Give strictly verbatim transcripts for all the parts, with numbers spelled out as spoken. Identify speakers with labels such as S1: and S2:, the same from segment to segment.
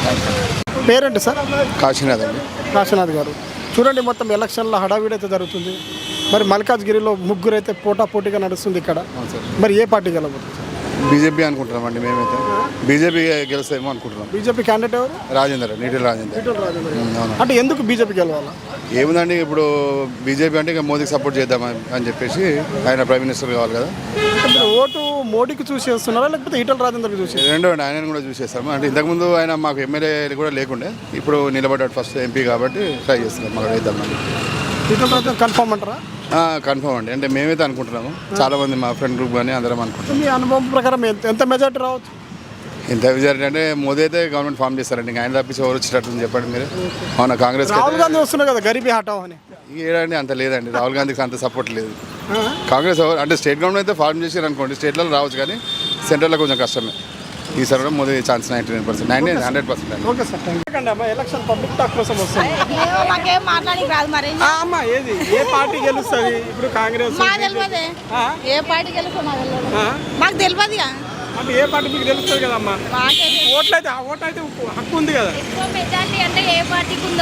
S1: పేరేంటి సార్?
S2: కాశీనాథ్ అండి.
S1: కాశీనాథ్ గారు, చూడండి మొత్తం ఎలక్షన్లో హడావిడి అయితే జరుగుతుంది. మరి మల్కాజ్గిరిలో ముగ్గురు అయితే పోటా పోటీగా నడుస్తుంది ఇక్కడ. మరి ఏ పార్టీ గెలవబోతుంది?
S2: బీజేపీ అనుకుంటున్నామండి మేమైతే. బీజేపీ గెలుస్తామో అనుకుంటున్నాం.
S1: బీజేపీ క్యాండిడేట్ ఎవరు?
S2: రాజేందర్, నీటి రాజేందర్.
S1: అంటే ఎందుకు బీజేపీ గెలవాలా?
S2: ఏముందండి, ఇప్పుడు బీజేపీ అంటే ఇక మోదీకి సపోర్ట్ చేద్దాం అని చెప్పేసి, ఆయన ప్రైమ్ మినిస్టర్ కావాలి కదా.
S1: ఓటు మోడీకి చూసి వేస్తున్నారా లేకపోతే ఈటల రాజేందర్కి చూసి?
S2: రెండో అండి, ఆయనను కూడా చూసేస్తాము. అంటే ఇంతకుముందు ఆయన మాకు ఎమ్మెల్యే కూడా లేకుండే, ఇప్పుడు నిలబడ్డాడు ఫస్ట్ ఎంపీ కాబట్టి ట్రై చేస్తున్నాం మాకు వేద్దామని.
S1: ఈటల రాజేందర్ కన్ఫర్మ్ అంటారా?
S2: కన్ఫర్మ్ అండి, అంటే మేమైతే అనుకుంటున్నాము. చాలా మంది మా ఫ్రెండ్ గ్రూప్ కానీ అందరం అనుకుంటున్నాం.
S1: మీ అనుభవం ప్రకారం ఎంత మెజార్టీ రావచ్చు?
S2: ఎంత మెజారిటీ అంటే మోదీ అయితే గవర్నమెంట్ ఫామ్ చేస్తారండి. ఇంకా ఆయన తప్పించి ఎవరు వచ్చేటట్టు చెప్పండి మీరు. అవునా, కాంగ్రెస్
S1: రాహుల్ గాంధీ వస్తున్నారు కదా గరీబీ హటావ్ అని.
S2: ఏడండి అంత లేదండి, రాహుల్ గాంధీకి అంత సపోర్ట్ లేదు. కాంగ్రెస్ అంటే స్టేట్ గవర్నమెంట్ అయితే ఫార్మ్ చేసారు అనుకోండి, స్టేట్లలో రావచ్చు కానీ సెంట్రల్లో కొంచెం కష్టమే. ఈసారి కూడా Modi chance ninety nine percent ninety hundred percent అండి.
S1: Okay sir, thank you. Election public talk కోసం వస్తుంది. అమ్మా, ఏది ఏ పార్టీ గెలుస్తుంది ఇప్పుడు? కాంగ్రెస్
S3: ఏ పార్టీ గెలుస్తుంది మాకు తెలియదు.
S1: అంటే ఏ పార్టీ మీకు తెలుస్తుంది కదమ్మా? ఓట్లు అయితే ఓటు అయితే హక్కు ఉంది కదా.
S3: మెజారిటీ అంటే ఏ పార్టీకి ఉందో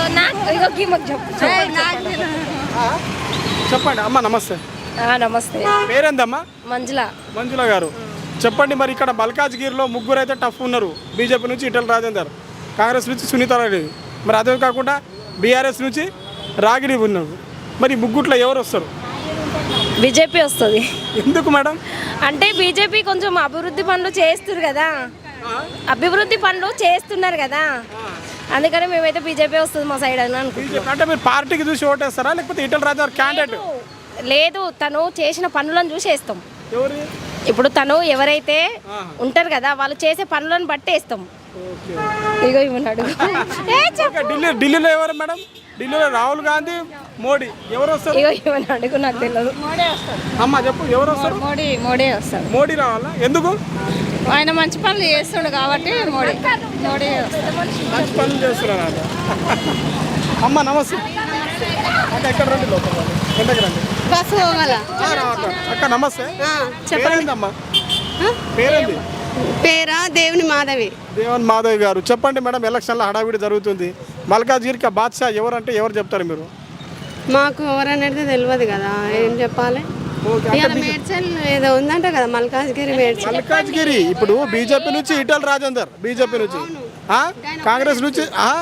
S1: చెప్పండి అమ్మా. నమస్తే.
S3: నమస్తే.
S1: పేరేందమ్మా?
S3: మంజుల.
S1: మంజుల గారు, చెప్పండి. మరి ఇక్కడ మల్కాజ్గిరిలో ముగ్గురు అయితే టఫ్ ఉన్నారు. బీజేపీ నుంచి ఈటల రాజేందర్, కాంగ్రెస్ నుంచి సునీతారెడ్డి, మరి అదే కాకుండా బీఆర్ఎస్ నుంచి రాగిడి ఉన్నారు. మరి ముగ్గుట్లో ఎవరు వస్తారు?
S3: బీజేపీ వస్తుంది.
S1: ఎందుకు మేడం?
S3: అంటే బీజేపీ కొంచెం అభివృద్ధి పనులు చేస్తున్నారు కదా, అభివృద్ధి పనులు చేస్తున్నారు కదా, అందుకని మేమైతే బీజేపీ వస్తుంది మా సైడ్ అని అనుకుంటున్నాం.
S1: అంటే మీరు పార్టీకి చూసి ఓటేస్తారా లేకపోతే ఈటల రాజేందర్ క్యాండిడేట్?
S3: లేదు, తను చేసిన పనులను చూసి వేస్తాం.
S1: ఎవరు?
S3: ఇప్పుడు తను ఎవరైతే ఉంటారు కదా వాళ్ళు చేసే పనులను బట్టి వేస్తాం. ఇగో ఇవ్వన్నాడు.
S1: ఢిల్లీ ఢిల్లీలో ఎవరు మేడం? ఢిల్లీలో రాహుల్ గాంధీ, మోడీ, ఎవరు వస్తారు?
S3: ఇగో ఇవ్వన్నాడు, నాకు తెలియదు.
S1: అమ్మా చెప్పు, ఎవరు వస్తారు?
S3: మోడీ. మోడీ వస్తారు.
S1: మోడీ రావాలా? ఎందుకు?
S3: ఆయన మంచి పనులు చేస్తుండు కాబట్టి మోడీ. మోడీ
S1: మంచి పనులు చేస్తున్నారు. అమ్మ నమస్తే. అంటే ఎక్కడ రండి, లోపల ఎంతకు రండి.
S3: బస్సు పోగల
S1: అక్క నమస్తే. చెప్పండి అమ్మా, పేరేంది?
S4: పేరా దేవుని మాధవి.
S1: దేవుని మాధవి గారు, చెప్పండి మేడం. ఎలక్షన్లో హడావిడి జరుగుతుంది. మల్కాజ్గిరికి బాద్షా ఎవరు అంటే ఎవరు చెప్తారు మీరు?
S4: మాకు ఎవరనేది తెలియదు కదా, ఏం చెప్పాలి. మేడ్చల్ ఏదో ఉందంట కదా, మల్కాజ్గిరి మేడ్చల్.
S1: మల్కాజ్గిరి ఇప్పుడు బీజేపీ నుంచి ఈటల రాజేందర్, బీజేపీ నుంచి. కాంగ్రెస్ నుంచి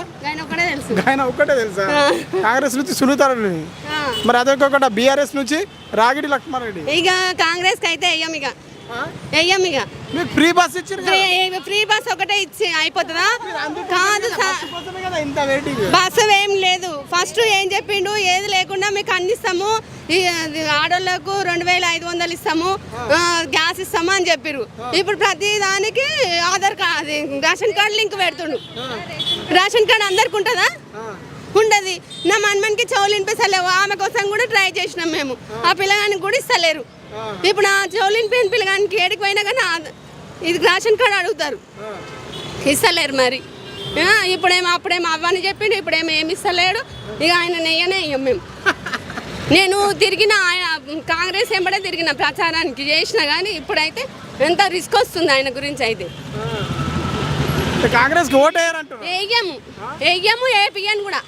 S1: ఆయన ఒక్కటే తెలుసా? కాంగ్రెస్ నుంచి సునీతారెడ్డి, మరి అదే కాకుండా బీఆర్ఎస్ నుంచి రాగిడి లక్ష్మారెడ్డి.
S4: ఇక కాంగ్రెస్ కి అయితే అయ్యాం, ఇక అయ్యాం. ఇక
S1: మీకు ఫ్రీ బస్ ఇచ్చారు.
S4: ఫ్రీ బస్ ఒకటే ఇచ్చి అయిపోతుందా? కాదు, బస్సు ఏం లేదు. ఫస్ట్ ఏం చెప్పిండు, ఏది లేకుండా మీకు అన్ని ఇస్తాము, ఆడోళ్ళకు రెండు వేల ఐదు వందలు ఇస్తాము, గ్యాస్ ఇస్తాము అని చెప్పారు. ఇప్పుడు ప్రతి దానికి Aadhaar card, ration card link పెడుతుండు. రేషన్ కార్డు అందరికి ఉంటుందా? ఉండదు. నా మన్మన్కి చెవులు వినిపిస్తలేవు, ఆమె కోసం కూడా ట్రై చేసినాం మేము. ఆ పిల్లగానికి కూడా ఇస్తలేరు. ఇప్పుడు ఆ చెవులు వినిపిన పిల్లగానికి ఏడికి పోయినా కానీ ఇది రేషన్ కార్డు అడుగుతారు, ఇస్తలేరు. మరి ఇప్పుడేమో అప్పుడేమో అవ్వని చెప్పిండు, ఇప్పుడేమో ఏమి ఇస్తలేడు. ఇక ఆయన నెయ్యనే ఇయ్యం మేము. నేను తిరిగిన ఆయన కాంగ్రెస్ ఎంబడే తిరిగిన ప్రచారానికి చేసిన కానీ ఇప్పుడైతే ఎంత రిస్క్ వస్తుంది ఆయన గురించి. అయితే
S1: కాంగ్రెస్ ఓటు
S4: వేయము వేయము ఏపీఎన్ కూడా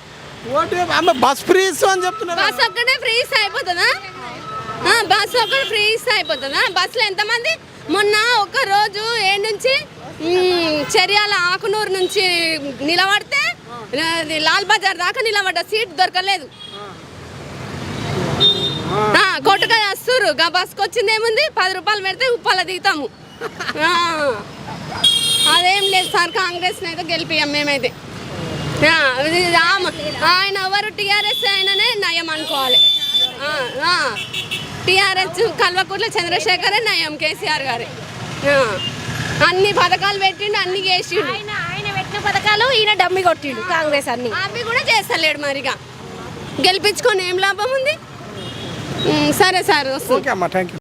S1: బస్ ఫ్రీ అని చెప్తున్నారు.
S4: బస్ ఒక్కటే ఫ్రీ ఇస్తే అయిపోతుందా? బస్ ఒక్కటే ఫ్రీ ఇస్తే అయిపోతుందా? బస్సులో ఎంతమంది? మొన్న ఒక రోజు ఏ నుంచి చర్యాల ఆకునూరు నుంచి నిలబడితే లాల్ బజార్ దాకా నిలబడ్డ, సీట్ దొరకలేదు. కొట్టుగా వస్తురు. గా బస్కి వచ్చింది ఏముంది, పది రూపాయలు పెడితే ఉప్పాల దిగుతాము. అదేం లేదు సార్, కాంగ్రెస్ అయితే గెలిపియాం మేమైతే. ఆయన ఎవరు టీఆర్ఎస్ అయిననే నయం అనుకోవాలి. టీఆర్ఎస్ కల్వకుట్ల చంద్రశేఖరే నయం, కేసీఆర్ గారే. అన్ని పథకాలు పెట్టిండు, అన్ని చేసిండు.
S3: ఆయన పెట్టిన పథకాలు ఈయన డమ్మి కొట్టిండు. కాంగ్రెస్ అన్ని
S4: అవి కూడా చేస్తలేడు. మరిగా గెలిపించుకొని ఏం లాభం ఉంది? సరే సార్, వస్తుంది.